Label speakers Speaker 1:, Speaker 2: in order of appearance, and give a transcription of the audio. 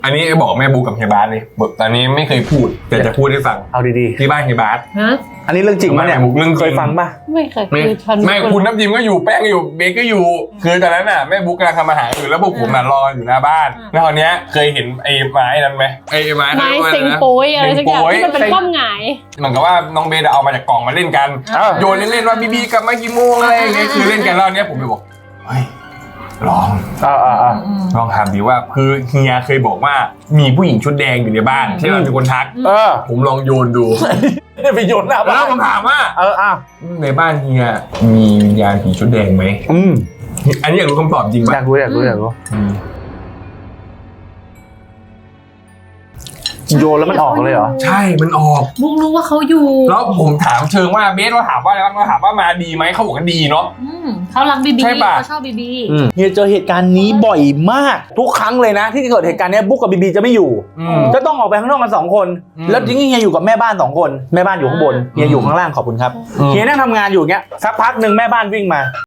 Speaker 1: อันนี้บอกแม่บุ๊กกับเฮียบาสเลยตอนนี้ไม่เคยพูดแต่จะพูดให้ฟัง
Speaker 2: เอาดี
Speaker 1: ที่บ้านเฮียบาส
Speaker 3: ฮะ
Speaker 2: ๆอันนี้เรื่องจริงมั้ยเนี่ย
Speaker 1: เรื่องจริง
Speaker 2: เคยฟังป่ะ
Speaker 3: ไม่เคย
Speaker 1: ไม่คุณน้ำจิ้มก็อยู่แป้งก็อยู่เบคก็อยู่คือตอนนั้นน่ะแม่บุ๊กกำลังทำอาหารอยู่แล้วพวกผมรออยู่หน้าบ้านแล้วคราวเนี้ยเคยเห็นไอ้ไม้นั้นไหมไอ้ไม้
Speaker 3: ไม้เซ็งโป้ยอะไรสักอย่างที่มันเป็นคว่ำหงาย
Speaker 1: เหมือนกับว่าน้องเบสเอามาจากกล่องมาเล่นกันโยนเล่นๆว่าบีกลับมากี่โมงอะไรอย่างเงี้ยคือเล่นกันแล้วเนี้ยผมเลยบอกเฮ้ยลองถามดีว่าคือเฮียเคยบอกว่ามีผู้หญิงชุดแดงอยู่ในบ้านที่เราเป็นคนทักผมลองโยนดู
Speaker 2: เนี่ยไปโยนหน้าบ้าน
Speaker 1: แล้วผมถามว่าในบ้านเฮียมีวิญญาณผีชุดแดงไหมอันนี้อยากรู้คำตอบจริงป่ะ
Speaker 2: อยากรู้โยนแล้วมันออกเลยเหรอ
Speaker 1: ใช่มันออก
Speaker 3: บุ๊กรู้ว่าเขาอยู่
Speaker 1: แล้วผมถามเชิงว่าเบสเราถามว่าอะไรบ้างเราถามว่ามาดีไหมเขาบอกว่าดีเนาะ
Speaker 3: เขารักบีบีเขาชอบบีบี
Speaker 2: เฮียเจอเหตุการณ์นี้บ่อยมากทุกครั้งเลยนะที่เกิดเหตุการณ์นี้บุ๊กกับบีบีจะไม่อยู่จะต้องออกไปข้างนอกกัน2 คนแล้วจริงๆเฮียอยู่กับแม่บ้าน2 คนแม่บ้านอยู่ข้างบนเฮียอยู่ข้างล่างขอบคุณครับเฮียนั่งทำงานอยู่เงี้ยสักพักหนึ่งแม่บ้านวิ่งมา